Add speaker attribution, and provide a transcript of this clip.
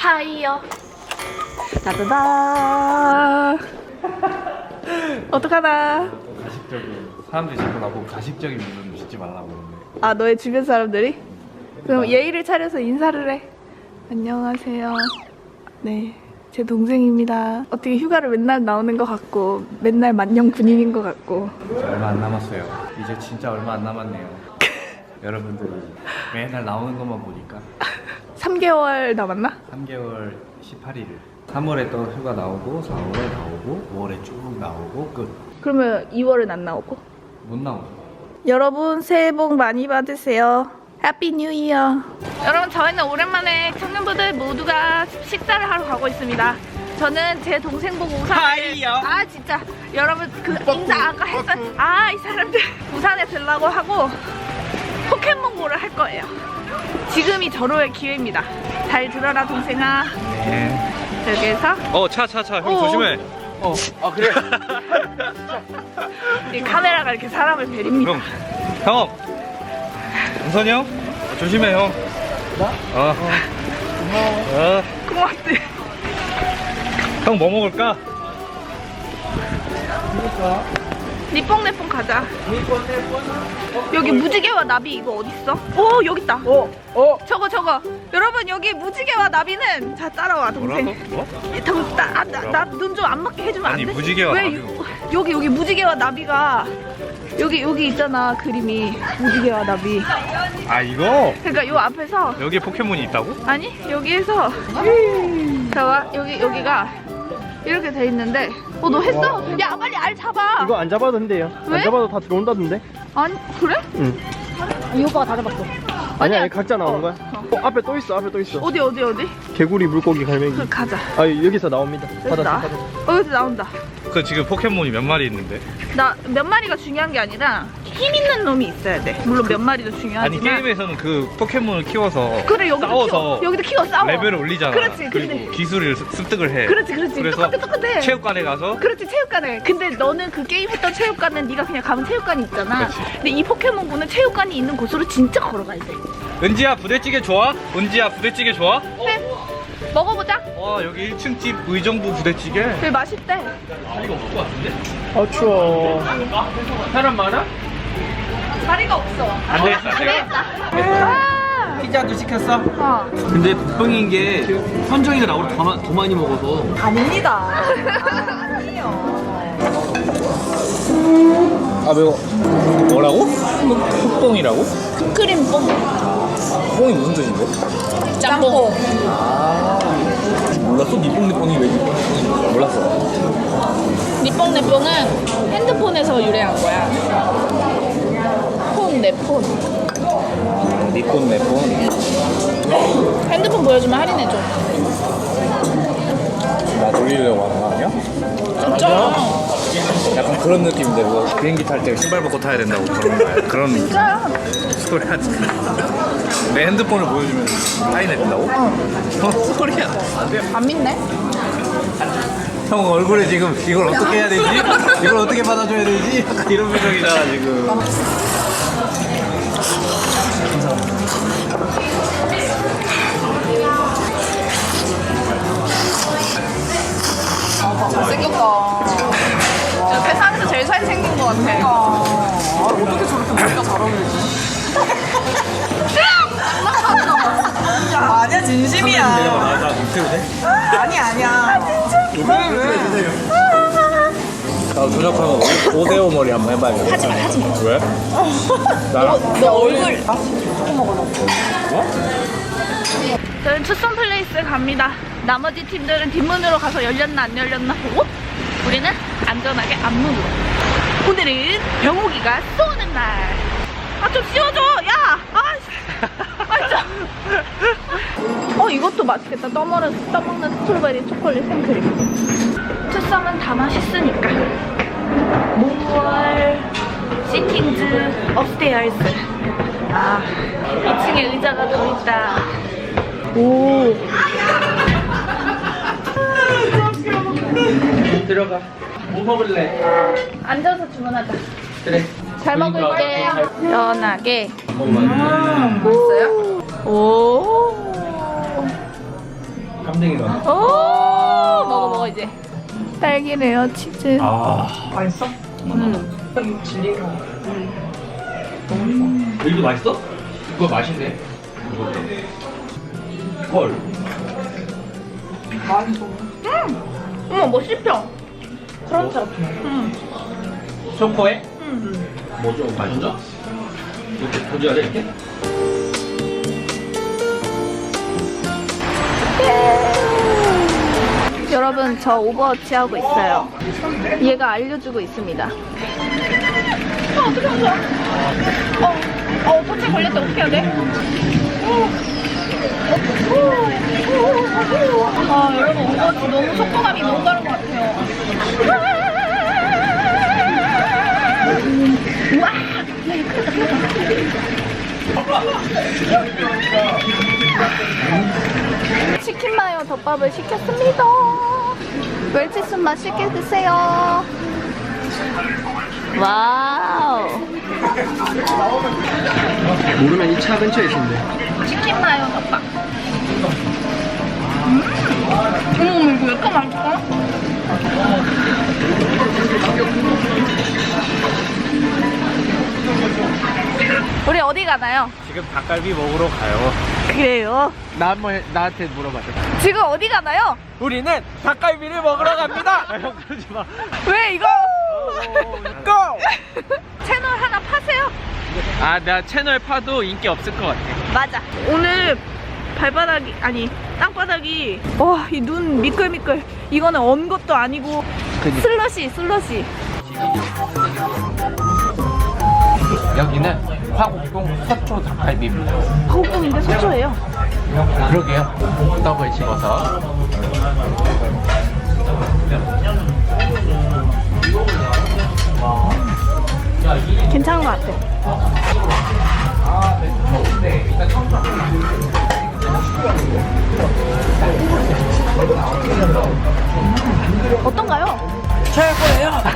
Speaker 1: 하이요. 따다다. 어떡하나.
Speaker 2: 가식적인 사람들이 자꾸 나보고 가식적인 물건 짓지 말라고 그러는데.
Speaker 1: 아, 너의 주변 사람들이? 그럼 예의를 차려서 인사를 해. 안녕하세요. 네, 제 동생입니다. 어떻게 휴가를 맨날 나오는 것 같고 맨날 만년 군인인 것 같고.
Speaker 2: 얼마 안 남았어요. 이제 진짜 얼마 안 남았네요. 여러분들이 맨날 나오는 것만 보니까
Speaker 1: 3개월 남았나?
Speaker 2: 3개월 18일 3월에 또 휴가 나오고 4월에 나오고 5월에 쭉 나오고 끝.
Speaker 1: 그러면 2월은 안 나오고?
Speaker 2: 못 나오고.
Speaker 1: 여러분 새해 복 많이 받으세요. 해피 뉴 이어. 여러분 저희는 오랜만에 청년부들 모두가 식사를 하러 가고 있습니다. 저는 제 동생 보고 우산에 아 진짜 여러분 그 인사 아까 했어. 아 이 사람들 우산에 들라고 하고 포켓몬고를 할 거예요. 지금이 절호의 기회입니다. 잘 들어라 동생아.
Speaker 2: 네.
Speaker 1: 여기에서
Speaker 2: 차 형 조심해. 그래.
Speaker 1: 이 카메라가 이렇게 사람을 베립니다.
Speaker 2: 형. 우선이 형 조심해 형. 나?
Speaker 1: 고맙대.
Speaker 2: 형 뭐 먹을까?
Speaker 1: 니뽕내뽕 가자. 여기 무지개와 나비 이거 어딨어? 오 여기 있다. 저거 여러분 여기 무지개와 나비는 자 따라와 동생.
Speaker 2: 뭐?
Speaker 1: 나 눈 좀 안 맞게 해주면 안 돼?
Speaker 2: 아니 무지개와
Speaker 1: 왜
Speaker 2: 나비.
Speaker 1: 여기 무지개와 나비가 여기 있잖아 그림이 무지개와 나비.
Speaker 2: 아 이거?
Speaker 1: 그러니까 요 앞에서
Speaker 2: 여기에 포켓몬이 있다고?
Speaker 1: 아니 여기에서 자와 여기가 이렇게 돼 있는데 너 했어? 야 빨리 알 잡아.
Speaker 3: 이거 안 잡아도 된대요.
Speaker 1: 왜?
Speaker 3: 안 잡아도 다 들어온다던데.
Speaker 1: 아니 그래?
Speaker 3: 응.
Speaker 1: 이 오빠가 다 잡았어.
Speaker 3: 아니야, 각자 나온 거야. 앞에 또 있어, 앞에 또 있어.
Speaker 1: 어디?
Speaker 3: 개구리, 물고기, 갈매기.
Speaker 1: 그 가자.
Speaker 3: 아, 여기서 나옵니다.
Speaker 1: 여기서 나. 여기서 나온다.
Speaker 2: 그 지금 포켓몬이 몇 마리 있는데?
Speaker 1: 나 몇 마리가 중요한 게 아니라 힘 있는 놈이 있어야 돼. 물론 몇 마리도 중요하지만.
Speaker 2: 아니 게임에서는 그 포켓몬을 키워서
Speaker 1: 그래 여기도
Speaker 2: 싸워서
Speaker 1: 키워. 여기도 키워 싸워.
Speaker 2: 레벨을 올리잖아.
Speaker 1: 그렇지.
Speaker 2: 그리고
Speaker 1: 근데
Speaker 2: 기술을 습득을 해.
Speaker 1: 그렇지.
Speaker 2: 그래서
Speaker 1: 똑같아.
Speaker 2: 체육관에 가서
Speaker 1: 그렇지 체육관에. 근데 너는 그 게임 했던 체육관은 네가 그냥 가면 체육관이 있잖아.
Speaker 2: 그렇지.
Speaker 1: 근데 이 포켓몬고는 체육관이 있는 곳으로 진짜 걸어가야 돼.
Speaker 2: 은지야 부대찌개 좋아? 은지야 부대찌개 좋아?
Speaker 1: 네. 먹어보자.
Speaker 2: 와 여기 1층 집 의정부 부대찌개.
Speaker 1: 되게 맛있대.
Speaker 2: 자리가 없을 것 같은데?
Speaker 3: 아, 추워.
Speaker 2: 사람 많아?
Speaker 1: 자리가 없어.
Speaker 2: 안 되겠어.
Speaker 1: 안 되겠다. 아.
Speaker 4: 피자도 시켰어?
Speaker 1: 어.
Speaker 4: 근데 복병인 게 현정이가 나보다 더 많이 먹어서.
Speaker 1: 아닙니다.
Speaker 2: 아 매워. 뭐라고? 흑봉이라고?
Speaker 1: 크림 뽕.
Speaker 2: 흑봉이 무슨 뜻인데?
Speaker 1: 짬뽕.
Speaker 2: 몰랐어? 니뽕니뽕이 왜 니뽕니뽕인지 몰랐어.
Speaker 1: 니뽕내뽕은 핸드폰에서 유래한 거야. 내 폰.
Speaker 2: 니폰 내폰.
Speaker 1: 핸드폰 보여주면 할인해줘.
Speaker 2: 나 돌리려고 하는 거 아니야?
Speaker 1: 진짜?
Speaker 2: 약간 그런 느낌인데 뭐 비행기 탈 때 신발 벗고 타야 된다고 그런 거야. 그런
Speaker 1: 진짜야.
Speaker 2: 소리 하지. 내 핸드폰을 보여주면 할인해 준다고? 소리야. 안 돼.
Speaker 1: 안 믿네?
Speaker 2: 형 얼굴에 지금 이걸 어떻게 해야 되지? 이걸 어떻게 받아줘야 되지? 약간 이런 표정이잖아 지금.
Speaker 1: 잘생겼다. 진짜 세상에서 제일 잘생긴 것 같아.
Speaker 4: 어떻게 저렇게 머리가 잘 어울리지? 아니야, 진심이야.
Speaker 2: 나 밑으로 돼?
Speaker 4: 아니야. 왜?
Speaker 2: 나 조작하면 오데오 머리 한번 해봐야겠다. 하지 마. 왜? 나랑?
Speaker 1: 너 얼굴. 저는 투썸 플레이스 갑니다. 나머지 팀들은 뒷문으로 가서 열렸나 안 열렸나 보고 우리는 안전하게 앞문으로. 오늘은 병욱이가 쏘는 날. 아 좀 씌워줘. 야. 진짜. 이것도 맛있겠다. 떠먹는 스트로베리 초콜릿 생크림. 투썸은 다 맛있으니까. 몽월 시팅즈 업스테어스. 2층에 의자가 더 있다. 오.
Speaker 4: 들어가. 뭐 먹을래?
Speaker 1: 앉아서 주문하자.
Speaker 4: 그래.
Speaker 1: 잘 먹을게요. 연하게.
Speaker 4: 맛있어요?
Speaker 1: 오.
Speaker 2: 깜댕이다.
Speaker 1: 오 먹어 이제. 딸기 레어 치즈.
Speaker 4: 맛있어? 여기도 맛있어?
Speaker 2: 그거 맛있네. 헐.
Speaker 1: 어머 뭐 씹혀. 그렇죠.
Speaker 2: 초코에?
Speaker 4: 뭐죠? 맛있어? 이렇게 보여줘야 돼 이렇게?
Speaker 1: 여러분 저 오버워치 하고 있어요. 얘가 알려주고 있습니다. 어떻게 한 거야? 포체 걸릴 때 어떻게 해야 돼? 여러분 오버워치 너무 속도감이 너무 다른 것 같아요. 우와! 치킨 마요 덮밥을 시켰습니다. 멸치순 맛있게 드세요. 와우.
Speaker 3: 모르면 이 차 근처에 있는데.
Speaker 1: 치킨 마요 덮밥. 어머 이거 왜 이렇게 맛있어? 우리 어디 가나요?
Speaker 2: 지금 닭갈비 먹으러 가요.
Speaker 1: 그래요?
Speaker 3: 나한테 물어봐줘.
Speaker 1: 지금 어디 가나요?
Speaker 3: 우리는 닭갈비를 먹으러 갑니다.
Speaker 2: 형 그러지 마.
Speaker 1: 왜 이거?
Speaker 3: 고!
Speaker 1: 채널 하나 파세요.
Speaker 3: 아, 나 채널 파도 인기 없을 것 같아.
Speaker 1: 맞아. 오늘 발바닥이 아니 땅바닥이 와 이 눈 미끌미끌. 이거는 언 것도 아니고 슬러시.
Speaker 2: 여기는 화곡동 서초 닭갈비입니다.
Speaker 1: 화곡동인데 서초예요.
Speaker 2: 그러게요. 떡을 집어서.
Speaker 1: 괜찮은 것 같아. 어떤가요?
Speaker 3: 최고예요.